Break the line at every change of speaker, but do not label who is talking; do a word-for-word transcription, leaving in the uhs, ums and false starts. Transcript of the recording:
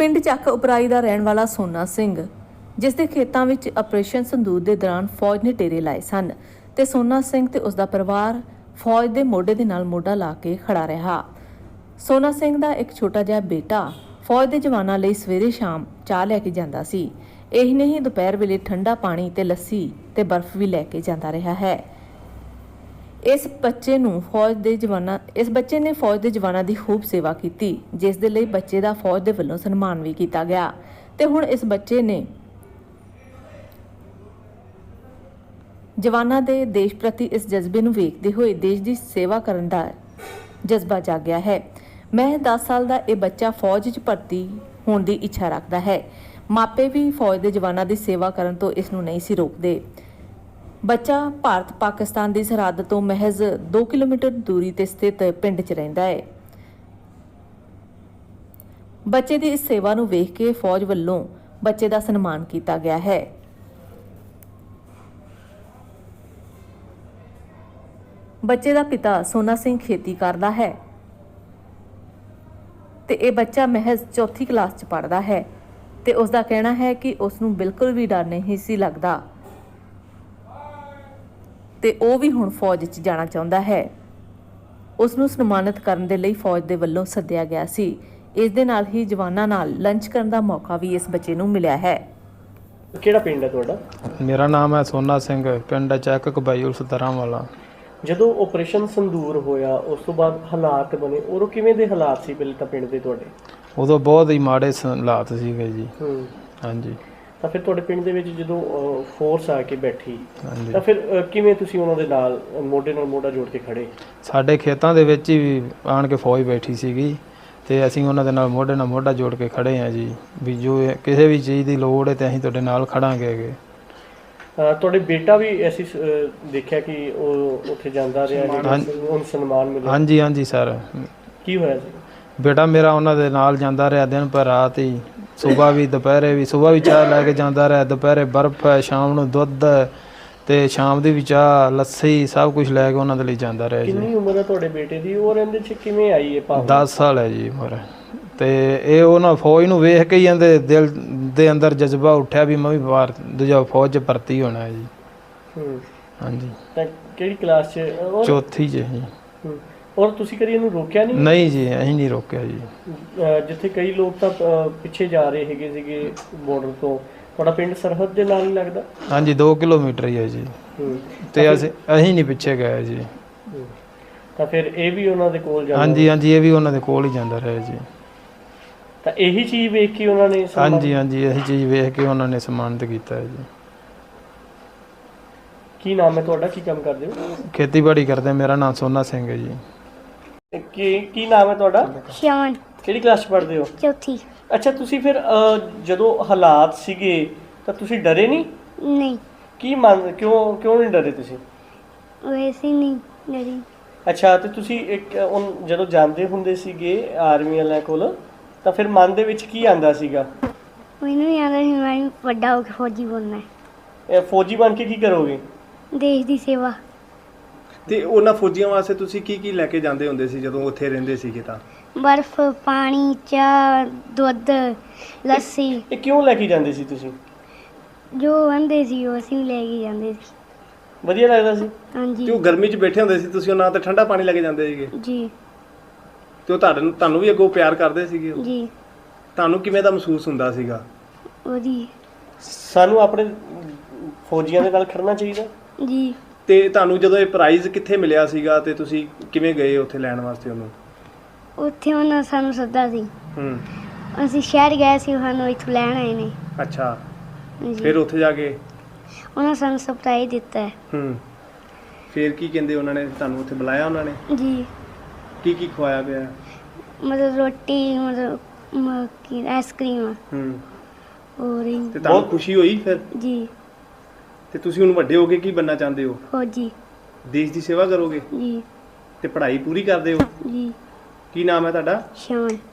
ਪਿੰਡ ਚੱਕ ਉਪਰਾਈ ਦਾ ਰਹਿਣ ਵਾਲਾ ਸੋਨਾ ਸਿੰਘ, ਜਿਸ ਦੇ ਖੇਤਾਂ ਵਿੱਚ ਆਪਰੇਸ਼ਨ ਸੰਦੂਰ ਦੇ ਦੌਰਾਨ ਫੌਜ ਨੇ ਡੇਰੇ ਲਾਏ ਸਨ ਤੇ ਸੋਨਾ ਸਿੰਘ ਤੇ ਉਸ ਦਾ ਪਰਿਵਾਰ ਫੌਜ ਦੇ ਮੋਢੇ ਦੇ ਨਾਲ ਮੋਢਾ ਲਾ ਕੇ ਖੜਾ ਰਿਹਾ। ਸੋਨਾ ਸਿੰਘ ਦਾ ਇੱਕ ਛੋਟਾ ਜਿਹਾ ਬੇਟਾ ਫੌਜ ਦੇ ਜਵਾਨਾਂ ਲਈ ਸਵੇਰੇ ਸ਼ਾਮ ਚਾਹ ਲੈ ਕੇ ਜਾਂਦਾ ਸੀ। ਇਹੀ ਨਹੀਂ, ਦੁਪਹਿਰ ਵੇਲੇ ਠੰਡਾ ਪਾਣੀ ਤੇ ਲੱਸੀ ਤੇ ਬਰਫ਼ ਵੀ ਲੈ ਕੇ ਜਾਂਦਾ ਰਿਹਾ ਹੈ। ਇਸ ਬੱਚੇ ਨੂੰ ਫੌਜ ਦੇ ਜਵਾਨਾਂ ਇਸ ਬੱਚੇ ਨੇ ਫੌਜ ਦੇ ਜਵਾਨਾਂ ਦੀ ਖੂਬ ਸੇਵਾ ਕੀਤੀ, ਜਿਸ ਦੇ ਲਈ ਬੱਚੇ ਦਾ ਫੌਜ ਦੇ ਵੱਲੋਂ ਸਨਮਾਨ ਵੀ ਕੀਤਾ ਗਿਆ ਤੇ ਹੁਣ ਇਸ ਬੱਚੇ ਨੇ ਜਵਾਨਾਂ ਦੇ ਦੇਸ਼ ਪ੍ਰਤੀ ਇਸ ਜਜ਼ਬੇ ਨੂੰ ਵੇਖਦੇ ਹੋਏ ਦੇਸ਼ ਦੀ ਸੇਵਾ ਕਰਨ ਦਾ ਜਜ਼ਬਾ ਜਾਗਿਆ ਹੈ। ਮੈਂ ਦਸ ਸਾਲ ਦਾ ਇਹ ਬੱਚਾ ਫੌਜ 'ਚ ਭਰਤੀ ਹੋਣ ਦੀ ਇੱਛਾ ਰੱਖਦਾ ਹੈ। ਮਾਪੇ ਵੀ ਫੌਜ ਦੇ ਜਵਾਨਾਂ ਦੀ ਸੇਵਾ ਕਰਨ ਤੋਂ ਇਸ ਨੂੰ ਨਹੀਂ ਸੀ ਰੋਕਦੇ। ਬੱਚਾ ਭਾਰਤ ਪਾਕਿਸਤਾਨ ਦੀ ਸਰਹੱਦ ਤੋਂ ਮਹਿਜ਼ ਦੋ ਕਿਲੋਮੀਟਰ ਦੂਰੀ ਤੇ ਸਥਿਤ ਪਿੰਡ 'ਚ ਰਹਿੰਦਾ ਹੈ। ਬੱਚੇ ਦੀ ਇਸ ਸੇਵਾ ਨੂੰ ਵੇਖ ਕੇ ਫੌਜ ਵੱਲੋਂ ਬੱਚੇ ਦਾ ਸਨਮਾਨ ਕੀਤਾ ਗਿਆ ਹੈ। ਬੱਚੇ ਦਾ ਪਿਤਾ ਸੋਨਾ ਸਿੰਘ ਖੇਤੀ ਕਰਦਾ ਹੈ ਤੇ ਇਹ ਬੱਚਾ ਮਹਿਜ਼ ਚੌਥੀ ਕਲਾਸ 'ਚ ਪੜ੍ਹਦਾ ਹੈ ਤੇ ਉਸ ਦਾ ਕਹਿਣਾ ਹੈ ਕਿ ਉਸ ਨੂੰ ਬਿਲਕੁਲ ਵੀ ਡਰ ਨਹੀਂ ਸੀ ਲੱਗਦਾ ਤੇ ਉਹ ਵੀ ਹੁਣ ਫੌਜ 'ਚ ਜਾਣਾ ਚਾਹੁੰਦਾ ਹੈ। ਉਸ ਨੂੰ ਸਨਮਾਨਿਤ ਕਰਨ ਦੇ ਲਈ ਫੌਜ ਦੇ ਵੱਲੋਂ ਸੱਦਿਆ ਗਿਆ ਸੀ। ਇਸ ਦੇ ਨਾਲ ਹੀ ਜਵਾਨਾਂ ਨਾਲ ਲੰਚ ਕਰਨ ਦਾ ਮੌਕਾ ਵੀ ਇਸ ਬੱਚੇ ਨੂੰ ਮਿਲਿਆ ਹੈ।
ਕਿਹੜਾ ਪਿੰਡ ਹੈ ਤੁਹਾਡਾ?
ਮੇਰਾ ਨਾਮ ਹੈ ਸੋਨਾ ਸਿੰਘ, ਪਿੰਡ ਚੱਕ ਕਬਾਈ ਉਲਸ ਦਰਾਂ ਵਾਲਾ।
ਜਦੋਂ ਆਪਰੇਸ਼ਨ ਸੰਦੂਰ ਹੋਇਆ ਉਸ ਤੋਂ ਬਾਅਦ ਹਾਲਾਤ ਬਣੇ, ਉਦੋਂ ਕਿਵੇਂ ਦੇ ਹਾਲਾਤ ਸੀ ਪਹਿਲੇ ਤਾਂ ਪਿੰਡ ਦੇ ਤੁਹਾਡੇ?
ਉਦੋਂ ਬਹੁਤ ਹੀ ਮਾੜੇ ਹਾਲਾਤ ਸੀਗੇ ਜੀ।
ਹੂੰ
ਹਾਂਜੀ।
ਤਾਂ ਫਿਰ ਤੁਹਾਡੇ ਪਿੰਡ ਦੇ ਵਿੱਚ ਜਦੋਂ ਫੋਰਸ ਆ ਕੇ ਬੈਠੀ
ਹਾਂਜੀ।
ਤਾਂ ਫਿਰ ਅ, ਕਿਵੇਂ ਤੁਸੀਂ ਉਹਨਾਂ ਦੇ ਨਾਲ ਮੋਢੇ ਨਾਲ ਮੋਢਾ ਜੋੜ ਕੇ ਖੜੇ?
ਸਾਡੇ ਖੇਤਾਂ ਦੇ ਵਿੱਚ ਹੀ ਆਣ ਕੇ ਫੌਜ ਬੈਠੀ ਸੀਗੀ ਤੇ ਅਸੀਂ ਉਹਨਾਂ ਦੇ ਨਾਲ ਮੋਢੇ ਨਾਲ ਮੋਢਾ ਜੋੜ ਕੇ ਖੜੇ ਹਾਂ ਜੀ, ਵੀ ਜੋ ਇਹ ਕਿਸੇ ਵੀ ਚੀਜ਼ ਦੀ ਲੋੜ ਹੈ ਤੇ ਅਸੀਂ ਤੁਹਾਡੇ ਨਾਲ ਖੜਾਂਗੇ ਹੈਗੇ।
ਅ, ਤੁਹਾਡੇ ਬੇਟਾ ਵੀ ਅਸੀਂ ਅ, ਦੇਖਿਆ ਕਿ ਉਹ ਉੱਥੇ ਜਾਂਦਾ ਰਿਹਾ, ਉਹਨੂੰ ਸਨਮਾਨ ਮਿਲਿਆ।
ਹਾਂਜੀ ਹਾਂਜੀ ਸਰ।
ਕੀ ਹੋਇਆ ਸੀ?
ਬੇਟਾ ਮੇਰਾ ਉਹਨਾਂ ਦੇ ਨਾਲ ਜਾਂਦਾ ਰਿਹਾ ਦਿਨ ਪਰ ਰਾਤ ਹੀ, ਸੁਬਾਹ ਵੀ ਦੁਪਹਿਰੇ ਵੀ। ਸੁਬਾਹ ਵੀ ਚਾਹ ਲੈ ਕੇ ਜਾਂਦਾ ਰਿਹਾ, ਦੁਪਹਿਰੇ ਬਰਫ਼ ਹੈ, ਸ਼ਾਮ ਨੂੰ ਦੁੱਧ ਤੇ ਸ਼ਾਮ ਦੀ ਵੀ ਚਾਹ ਲੱਸੀ ਸਭ ਕੁਝ ਲੈ ਕੇ ਉਹਨਾਂ ਦੇ ਲਈ ਜਾਂਦਾ ਰਿਹਾ ਜੀ।
ਕਿੰਨੀ ਉਮਰ ਹੈ ਤੁਹਾਡੇ ਬੇਟੇ ਦੀ ਔਰ ਇਹਦੇ 'ਚ ਕਿਵੇਂ ਆਈ ਇਹ ਭਾਵਨਾ?
ਦਸ ਸਾਲ ਹੈ ਜੀ ਉਮਰ। ਤੇ ਇਹ ਉਹਨਾਂ ਫੌਜ ਨੂੰ ਵੇਖ ਕੇ ਹੀ ਇਹਦੇ ਦਿਲ ਦੇ ਅੰਦਰ ਜਜ਼ਬਾ ਉੱਠਿਆ ਵੀ ਮੈਂ ਵੀ ਬਾਹਰ ਦੂਜਾ ਫੌਜ 'ਚ ਭਰਤੀ ਹੋਣਾ ਹੈ ਜੀ।
ਹੂੰ
ਹਾਂਜੀ।
ਤਾਂ ਕਿਹੜੀ ਕਲਾਸ 'ਚ? ਔਰ
ਚੌਥੀ 'ਚ ਜੀ।
ਹੂੰ। ਔਰ ਤੁਸੀਂ ਕਦੀ ਇਹਨੂੰ ਰੋਕਿਆ ਨਹੀਂ?
ਨਹੀਂ ਜੀ, ਅਸੀਂ ਨਹੀਂ ਰੋਕਿਆ ਜੀ।
ਅ, ਜਿੱਥੇ ਕਈ ਲੋਕ ਤਾਂ ਅ, ਪਿੱਛੇ ਜਾ ਰਹੇ ਹੈਗੇ ਸੀਗੇ ਬਾਰਡਰ ਤੋਂ, ਤੁਹਾਡਾ ਪਿੰਡ ਸਰਹੱਦ ਦੇ ਨਾਲ ਹੀ ਲੱਗਦਾ?
ਹਾਂਜੀ, ਦੋ ਕਿਲੋਮੀਟਰ ਹੀ ਹੈ ਜੀ।
ਹੂੰ।
ਤੇ ਅਸੀਂ ਅਸੀਂ ਨਹੀਂ ਪਿੱਛੇ ਗਏ ਜੀ।
ਹੂੰ। ਤਾਂ ਫਿਰ ਇਹ ਵੀ ਉਹਨਾਂ ਦੇ ਕੋਲ ਜਾਂਦਾ?
ਹਾਂਜੀ ਹਾਂਜੀ, ਇਹ ਵੀ ਉਹਨਾਂ ਦੇ ਕੋਲ ਹੀ ਜਾਂਦਾ ਰਿਹਾ ਜੀ।
ਤਾਂ ਇਹੀ ਚੀਜ਼ ਵੇਖ ਕੇ ਉਹਨਾਂ ਨੇ ਸਨਮਾਨ-
ਹਾਂਜੀ ਹਾਂਜੀ, ਇਹੀ ਚੀਜ਼ ਵੇਖ ਕੇ ਉਹਨਾਂ ਨੇ ਸਨਮਾਨਿਤ ਕੀਤਾ ਹੈ ਜੀ।
ਕੀ ਨਾਮ ਹੈ ਤੁਹਾਡਾ? ਕੀ ਕੰਮ ਕਰਦੇ ਹੋ?
ਖੇਤੀਬਾੜੀ ਕਰਦੇ। ਮੇਰਾ ਨਾਮ ਸੋਨਾ ਸਿੰਘ ਹੈ ਜੀ।
ਕੀ ਕੀ ਨਾਮ ਹੈ ਤੁਹਾਡਾ?
ਸ਼ਾਨ
ਕਿਹੜੀ ਕਲਾਸ 'ਚ ਪੜ੍ਹਦੇ ਹੋ?
ਚੌਥੀ।
ਅੱਛਾ, ਤੁਸੀਂ ਫਿਰ ਅ, ਜਦੋਂ ਹਾਲਾਤ ਸੀਗੇ ਤਾਂ ਤੁਸੀਂ ਡਰੇ ਨਹੀਂ?
ਨਹੀਂ,
ਕੀ ਮੰਨ ਕਿਉਂ ਕਿਉਂ ਨਹੀਂ ਡਰੇ ਤੁਸੀਂ?
ਵੈਸੇ ਨਹੀਂ ਡਰੀ।
ਅੱਛਾ, ਤੇ ਤੁਸੀਂ ਇੱਕ ਉਨ- ਜਦੋਂ ਜਾਂਦੇ ਹੁੰਦੇ ਸੀਗੇ ਆਰਮੀ ਵਾਲਿਆਂ ਕੋਲ ਤਾਂ ਫਿਰ ਮਨ ਦੇ ਵਿੱਚ ਕੀ ਆਂਦਾ ਸੀਗਾ?
ਮੈਨੂੰ ਨਹੀਂ ਆਉਂਦਾ ਸੀ ਮੈਂ ਵੀ ਵੱਡਾ ਹੋ ਕੇ ਫੌਜੀ ਬਣਨਾ ਹੈ।
ਇਹ ਫੌਜੀ ਬਣ ਕੇ ਕੀ ਕਰੋਗੇ?
ਦੇਸ਼ ਦੀ ਸੇਵਾ।
ਤੇ ਉਹਨਾਂ ਫੌਜੀਆਂ ਵਾਸਤੇ ਤੁਸੀਂ ਕੀ ਕੀ ਲੈ ਕੇ ਜਾਂਦੇ ਹੁੰਦੇ ਸੀ ਜਦੋਂ ਉੱਥੇ ਰਹਿੰਦੇ ਸੀਗੇ? ਤਾਂ
ਬਰਫ਼, ਪਾਣੀ, ਚਾਹ, ਦੁੱਧ, ਲੱਸੀ
ਇਹ ਕਿਉਂ ਲੈ ਕੇ ਜਾਂਦੇ ਸੀ ਤੁਸੀਂ?
ਜੋ ਆਂਦੇ ਸੀ ਉਹ ਅਸੀਂ ਵੀ ਲੈ ਕੇ ਜਾਂਦੇ ਸੀ।
ਵਧੀਆ ਲੱਗਦਾ ਸੀ?
ਹਾਂਜੀ
ਤੇ ਉਹ ਗਰਮੀ 'ਚ ਬੈਠੇ ਹੁੰਦੇ ਸੀ ਤੁਸੀਂ, ਉਹਨਾਂ ਤੇ ਠੰਡਾ ਪਾਣੀ ਲੈ ਕੇ ਜਾਂਦੇ ਸੀਗੇ
ਜੀ।
ਤੇ ਉਹ ਤੁਹਾਨੂੰ ਤੁਹਾਨੂੰ ਵੀ ਅੱਗੋਂ ਪਿਆਰ ਕਰਦੇ ਸੀਗੇ ਉਹ?
ਜੀ
ਤੁਹਾਨੂੰ ਕਿਵੇਂ ਦਾ ਮਹਿਸੂਸ ਹੁੰਦਾ ਸੀਗਾ?
ਉਹਦੀ
ਸਾਨੂੰ ਆਪਣੇ ਫੌਜੀਆਂ ਦੇ ਨਾਲ ਖੜਨਾ ਚਾਹੀਦਾ।
ਜੀ।
ਤੇ ਤੁਹਾਨੂੰ ਜਦੋਂ ਇਹ ਪ੍ਰਾਈਜ਼ ਕਿੱਥੇ ਮਿਲਿਆ ਸੀਗਾ ਤੇ ਤੁਸੀਂ ਕਿਵੇਂ ਗਏ ਉੱਥੇ ਲੈਣ ਵਾਸਤੇ ਉਹਨੂੰ?
ਉੱਥੇ ਉਹਨਾਂ ਸਾਨੂੰ ਸੱਦਾ ਸੀ।
ਹੂੰ।
ਅਸੀਂ ਸ਼ਹਿਰ ਗਏ ਸੀ, ਸਾਨੂੰ ਇੱਥੋਂ ਲੈਣ ਆਏ ਨੇ।
ਅੱਛਾ,
ਜੀ।
ਫਿਰ ਉੱਥੇ ਜਾ ਕੇ
ਉਹਨਾਂ ਸਾਨੂੰ ਸਰਪ੍ਰਾਈਜ਼ ਦਿੱਤਾ ਹੈ।
ਹੂੰ, ਫਿਰ ਕੀ ਕਹਿੰਦੇ ਉਹਨਾਂ ਨੇ ਤੁਹਾਨੂੰ ਉੱਥੇ ਬੁਲਾਇਆ? ਉਹਨਾਂ ਨੇ
ਜੀ।
ਕੀ ਕੀ ਖਵਾਇਆ ਪਿਆ?
ਮਤਲਬ ਰੋਟੀ, ਮਤਲਬ ਮ- ਕੀ ਆਈਸਕ੍ਰੀਮ
ਹੂੰ।
ਹੋਰ ਹੀ-
ਤੇ ਤੁਹਾਨੂੰ ਖੁਸ਼ੀ ਹੋਈ ਫਿਰ?
ਜੀ।
ਤੇ ਤੁਸੀਂ ਹੁਣ ਵੱਡੇ ਹੋ ਕੇ ਕੀ ਬਣਨਾ ਚਾਹੁੰਦੇ ਹੋ?
ਫੌਜੀ।
ਦੇਸ਼ ਦੀ ਸੇਵਾ ਕਰੋਗੇ
ਜੀ।
ਤੇ ਪੜ੍ਹਾਈ ਪੂਰੀ ਕਰਦੇ ਹੋ?
ਜੀ।
ਕੀ ਨਾਮ ਹੈ ਤੁਹਾਡਾ?
ਸ਼ਾਨ।